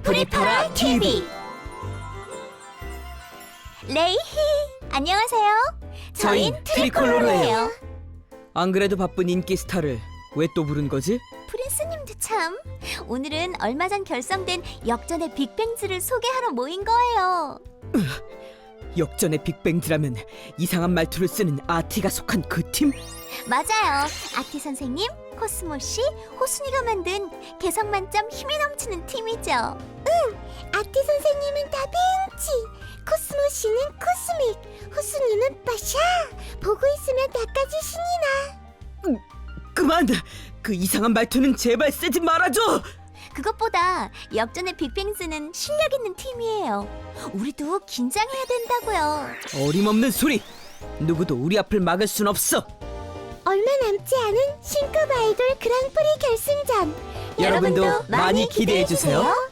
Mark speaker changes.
Speaker 1: 프리파라 TV.
Speaker 2: 레이히 안녕하세요. 저희는 트리콜로로예요.
Speaker 1: 안 그래도 바쁜 인기 스타를 왜 또 부른 거지?
Speaker 2: 프린스님도 참. 오늘은 얼마 전 결성된 역전의 빅뱅즈를 소개하러 모인 거예요.
Speaker 1: 역전의 빅뱅즈라면 이상한 말투를 쓰는 아티가 속한 그 팀?
Speaker 2: 맞아요. 아티 선생님, 코스모 씨, 호순이가 만든 개성 만점 힘이 넘치는 팀이죠. 아티 선생님은 다빈치, 코스모 씨는 코스믹, 호순이는 빠샤. 보고 있으면 나까지 신이 나.
Speaker 1: 그만! 그 이상한 말투는 제발 쓰지 말아줘!
Speaker 2: 그것보다 역전의 빅뱅즈는 실력 있는 팀이에요. 우리도 긴장해야 된다고요.
Speaker 1: 어림없는 소리! 누구도 우리 앞을 막을 순 없어!
Speaker 2: 얼마 남지 않은 신급 아이돌 그랑프리 결승전.
Speaker 1: 여러분도 많이 기대해주세요.